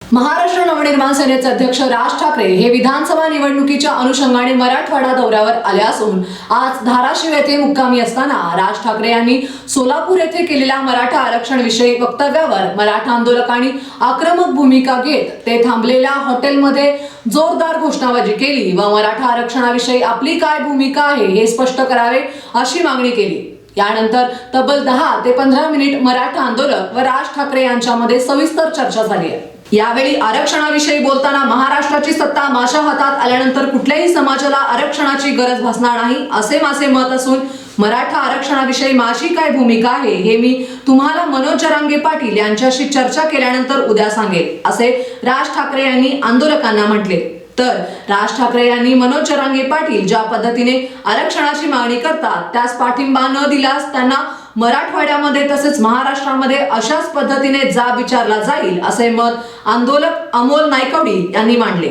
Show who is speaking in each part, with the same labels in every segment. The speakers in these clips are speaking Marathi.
Speaker 1: महाराष्ट्र नवनिर्माण सेनेचे अध्यक्ष राज ठाकरे हे विधानसभा निवडणुकीच्या अनुषंगाने मराठवाडा दौऱ्यावर आले असून आज धाराशिव येथे मुक्कामी असताना राज ठाकरे यांनी सोलापूर येथे केलेल्या मराठा आरक्षण विषयी वक्तव्यावर मराठा आंदोलकांनी आक्रमक भूमिका घेत ते थांबलेल्या हॉटेलमध्ये जोरदार घोषणाबाजी केली व मराठा आरक्षणाविषयी आपली काय भूमिका आहे हे स्पष्ट करावे अशी मागणी केली। यानंतर तब्बल 10 ते 15 मिनिट मराठा आंदोलक व राज ठाकरे यांच्यामध्ये सविस्तर चर्चा झाली आहे। यावेळी आरक्षणाविषयी बोलताना महाराष्ट्राची सत्ता माझ्या हातात आल्यानंतर कुठल्याही समाजाला आरक्षणाची गरज भासणार नाही असे माझे मत असून मराठा आरक्षणाविषयी माझी काय भूमिका आहे हे मी तुम्हाला मनोज जरांगे पाटील यांच्याशी चर्चा केल्यानंतर उद्या सांगेल असे राज ठाकरे यांनी आंदोलकांना म्हटले। तर राज ठाकरे यांनी मनोज जरांगे पाटील ज्या पद्धतीने आरक्षणाची मागणी करतात त्यास पाठिंबा न दिल्यास त्यांना मराठवाड्यामध्ये तसेच महाराष्ट्रामध्ये अशाच पद्धतीने जाब विचारला जाईल असे मत आंदोलक अमोल नायकवडी यांनी मांडले।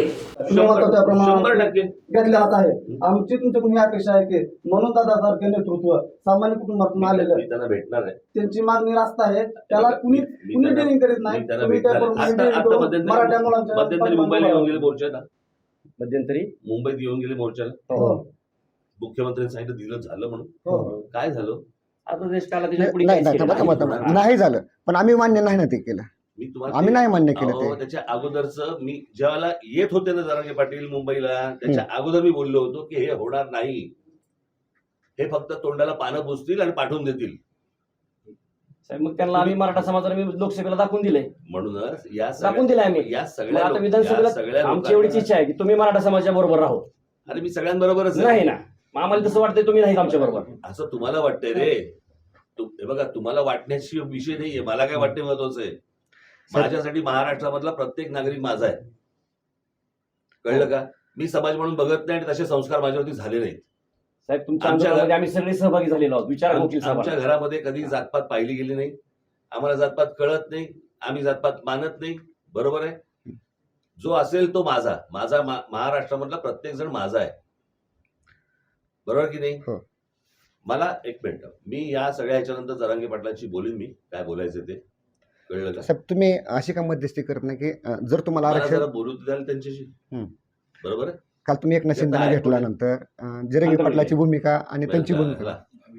Speaker 2: घेतले जात आहे। आमची तुमच्याकडून ही अपेक्षा आहे की म्हणून दादासारखे नेतृत्व सामान्य कुटुंबातून आलेलं
Speaker 3: त्यांना भेटणार आहे।
Speaker 2: त्यांची मागणी रास्त आहे, त्याला कुणी ट्रेनिंग करीत नाही।
Speaker 3: मराठा मुलांच्या मध्यंतरी मुंबईला येऊन गेले मोर्चाला,
Speaker 4: मध्यंतरी
Speaker 3: मुंबईत येऊन गेले मोर्चाला। मुख्यमंत्र्यांनी सांगितलं दिलं झालं म्हणून काय झालं?
Speaker 4: आता देश काला
Speaker 5: नाही झालं, पण आम्ही मान्य नाही ना ते केलं।
Speaker 3: मी तुम्हाला
Speaker 5: आम्ही नाही मान्य केलं ते।
Speaker 3: त्याच्या अगोदरच मी ज्यावेळेला येत होते ना जरांगे पाटील मुंबईला, त्याच्या अगोदर मी बोललो होतो की हे होणार नाही, हे फक्त तोंडाला पानं पुसतील आणि पाठवून देतील।
Speaker 4: मग त्यांना आम्ही मराठा समाजाला लोकसभेला दाखवून दिले,
Speaker 3: म्हणूनच
Speaker 4: दाखवून दिले आम्ही
Speaker 3: या सगळ्या
Speaker 4: विधानसभेला आमची एवढीच इच्छा आहे की तुम्ही मराठा समाजाच्या बरोबर राहो।
Speaker 3: अरे मी सगळ्यांबरोबरच
Speaker 4: नाही ना, आम्हाला तसं वाटतंय तुम्ही नाही आमच्या बरोबर,
Speaker 3: असं तुम्हाला वाटतंय रे। हे बघा, तुम्हाला वाटण्याची विषय नाहीये, मला काय वाटते महत्वाचं आहे। माझ्यासाठी महाराष्ट्रामधला प्रत्येक नागरिक माझा आहे, कळलं का? मी समाज म्हणून बघत नाही आणि तसे संस्कार माझ्यावरती झाले नाहीत।
Speaker 4: साहेब तुमच्या आंदोलनामध्ये आम्ही सगळे सहभागी झालेलो आहोत। विचार
Speaker 3: आमच्या घरामध्ये कधी जातपात पाहिली गेली नाही, आम्हाला जातपात कळत नाही, आम्ही जातपात मानत नाही, बरोबर आहे? जो असेल तो माझा, माझा महाराष्ट्रामधला प्रत्येक जण माझा आहे, बरोबर की नाही? मला एक मिनिट, मी या सगळ्या ह्याच्यानंतर जरांगे पाटलांशी बोलीन, मी काय बोलायचं ते, कळलं का?
Speaker 5: साहेब तुम्ही अशी का मध्यस्थी करत नाही की जर तुम्हाला आरक्षण
Speaker 3: बोलू द्याल त्यांच्याशी, बरोबर आहे?
Speaker 5: काल तुम्ही एकनाथ शिंदेना घेतल्यानंतर जरांगे पाटलाची भूमिका आणि त्यांची भूमिका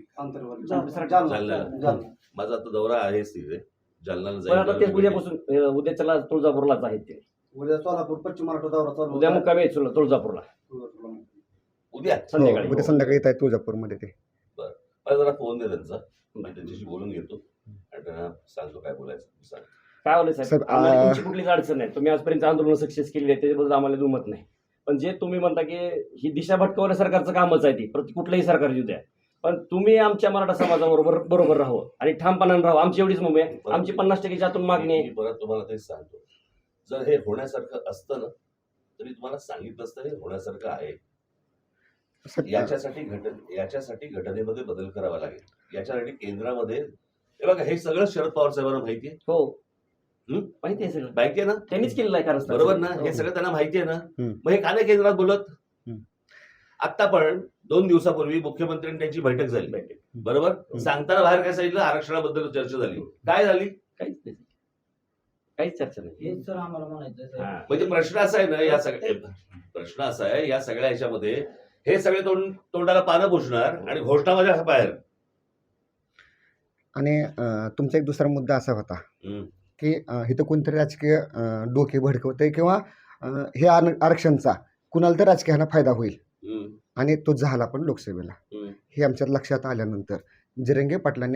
Speaker 3: माझा आता दौरा आहेच तिथे, जालन्याला
Speaker 4: जाईल उद्यापासून। उद्याच्याला तुळजापूरलाच आहेत ते,
Speaker 2: उद्या सोलापूर पश्चिम महाराष्ट्र दौरा चालू,
Speaker 4: उद्या मुक्कामी आहे तुळजापूरला,
Speaker 3: उद्या
Speaker 5: संध्याकाळी येत आहे तुळजापूरमध्ये ते।
Speaker 3: मला जरा फोन दे त्यांचा, मी त्यांच्याशी बोलून घेतो आणि त्यांना सांगतो काय बोलायचं।
Speaker 4: काय बोलायचं साहेब, आम्हाला तुमची कुठलीच अडचण नाही, तुम्ही आजपर्यंत आंदोलन सक्सेस केली आहे त्याच्याबद्दल आम्हाला दुमत नाही। पण जे तुम्ही म्हणता की ही दिशा भटकवण्या सरकारचं कामच आहे ती, कुठलंही सरकार येऊ द्या, पण तुम्ही आमच्या मराठा समाजाबरोबर राहावं आणि ठामपणाने राहावं, आमची एवढीच मुंबई आहे। आमची 50% आतून मागणी आहे।
Speaker 3: परत तुम्हाला तेच सांगतो, जर हे होण्यासारखं असतं ना तर मी तुम्हाला सांगितलं असतं हे होण्यासारखं आहे। याच्यासाठी घटनेमध्ये बदल करावा लागेल, याच्यासाठी केंद्रामध्ये हे बघा, हे सगळं शरद पवार साहेबांना माहिती आहे।
Speaker 4: हो माहिती आहे, सगळं माहिती आहे ना, त्यांनीच केलेलं आहे कारण,
Speaker 3: बरोबर ना? हे सगळं त्यांना माहिती आहे ना, मग हे का नाही केंद्रात बोलत? आता पण 2 दिवसापूर्वी मुख्यमंत्र्यांनी त्यांची बैठक झाली, बरोबर? सांगताना बाहेर काय सांगितलं? आरक्षणाबद्दल चर्चा झाली, काय झाली?
Speaker 4: काहीच चर्चा नाही।
Speaker 3: म्हणजे प्रश्न असा आहे ना, प्रश्न असा आहे या सगळ्या ह्याच्यामध्ये हे सगळे तोंडाला पानं पुसणार आणि घोषणामध्ये बाहेर।
Speaker 5: आणि तुमचा एक दुसरा मुद्दा असा होता की इथं कोणतरी राजकीय डोके भडकवतंय किंवा हे आरक्षणचा कुणाला तर राजकीयाला फायदा होईल, आणि तो झाला पण लोकसभेला। हे आमच्या लक्षात आल्यानंतर जरांगे पाटलांनी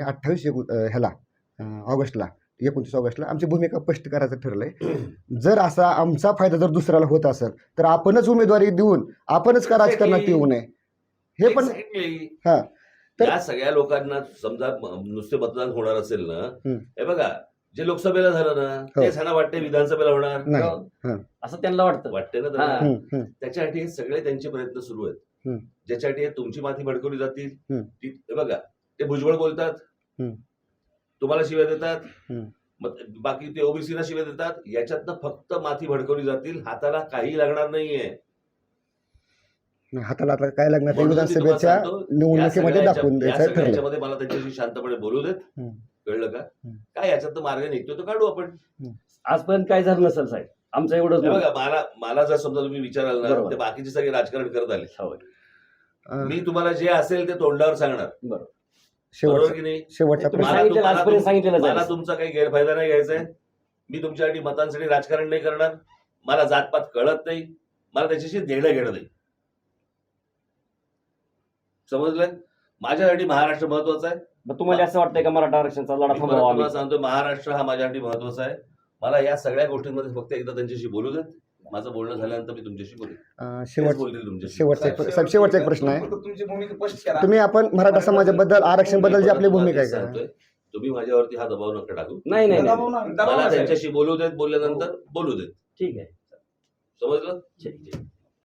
Speaker 5: 29 ऑगस्टला आमची भूमिका स्पष्ट करायचं ठरलंय। जर असा आमचा फायदा जर दुसऱ्याला होत असेल तर आपणच उमेदवारी देऊन आपणच का राजकारणात येऊ नये, हे पण
Speaker 3: तर या सगळ्या लोकांना समजा नुसते मतदान होणार असेल ना, हे बघा जे लोकसभेला झालं ना तेच ह्यांना वाटते विधानसभेला होणार
Speaker 4: नाही, असं त्यांना वाटते ना त्यांना।
Speaker 3: त्याच्यासाठी हे सगळे त्यांचे प्रयत्न सुरू आहेत, ज्याच्यासाठी तुमची माती भडकवली जातील। हे बघा, ते भुजबळ बोलतात, तुम्हाला शिव्या देतात, बाकी ते ओबीसीला शिव्या देतात, याच्यातनं फक्त माती भडकवली जातील, हाताला काही लागणार नाहीये।
Speaker 5: हाताला काय लागणार ते विधानसभेच्या निवडणुकीमध्ये दाखवून द्यायचं ठरलं।
Speaker 3: मला त्यांच्याशी शांतपणे बोलू देत, कळलं का? काय याच्यात मार्ग निघतो तो काढू आपण।
Speaker 4: आजपर्यंत काय झालं नसेल साहेब, आमचं एवढंच
Speaker 3: हे
Speaker 4: मत.
Speaker 3: बघा, मला जर समजा तुम्ही विचाराल ना,
Speaker 4: बरोबर.
Speaker 3: ते बाकीचे सगळे राजकारण करत आले.
Speaker 4: होय.
Speaker 3: मी तुम्हाला जे असेल ते तोंडावर सांगणार,
Speaker 4: बरोबर.
Speaker 3: बरोबर
Speaker 5: शेवटचा
Speaker 3: की नाही?
Speaker 5: शेवटचा
Speaker 4: तुम्ही
Speaker 5: प्रश्न
Speaker 4: सांगितलेलं आजपर्यंत सांगितलेलं
Speaker 3: मला
Speaker 4: आहे.
Speaker 3: तुमचा काही गैरफायदा नाही घ्यायचा आहे. मी तुमच्यासाठी मतांसाठी राजकारण नाही करणार. मला जातपात कळत नाही. मला त्याच्याशी देणं घेणं नाही. समजलं? माझ्यासाठी महाराष्ट्र महत्वाचा आहे.
Speaker 4: मग तुम्हाला असं वाटतंय का मराठा आरक्षणाचा लढा
Speaker 3: मी परत
Speaker 4: थांबवा
Speaker 3: तुम्हाला
Speaker 4: आम्ही?
Speaker 3: सांगतो, महाराष्ट्र हा माझ्यासाठी महत्वाचा आहे. मला या सगळ्या गोष्टींमध्ये फक्त एकदा त्यांच्याशी बोलू देत. माझं बोलणं झाल्यानंतर मी तुमच्याशी बोलेन. तेच बोलतील तुमच्याशी.
Speaker 5: शेवटचा एक प्रश्न आहे.
Speaker 2: तुमची भूमिका स्पष्ट करा.
Speaker 5: तुम्ही आपण मराठा समाजाबद्दल आरक्षण बद्दल जी आपली भूमिका आहे का?
Speaker 3: सांगतोय, तुम्ही माझ्यावरती हा दबाव नका टाकू.
Speaker 4: नाही नाही नाही.
Speaker 2: दबाव नाही.
Speaker 3: मला त्यांच्याशी बोलू देत. बोलल्यानंतर बोलू देत.
Speaker 4: ठीक आहे.
Speaker 3: समजलं?
Speaker 4: ठीक.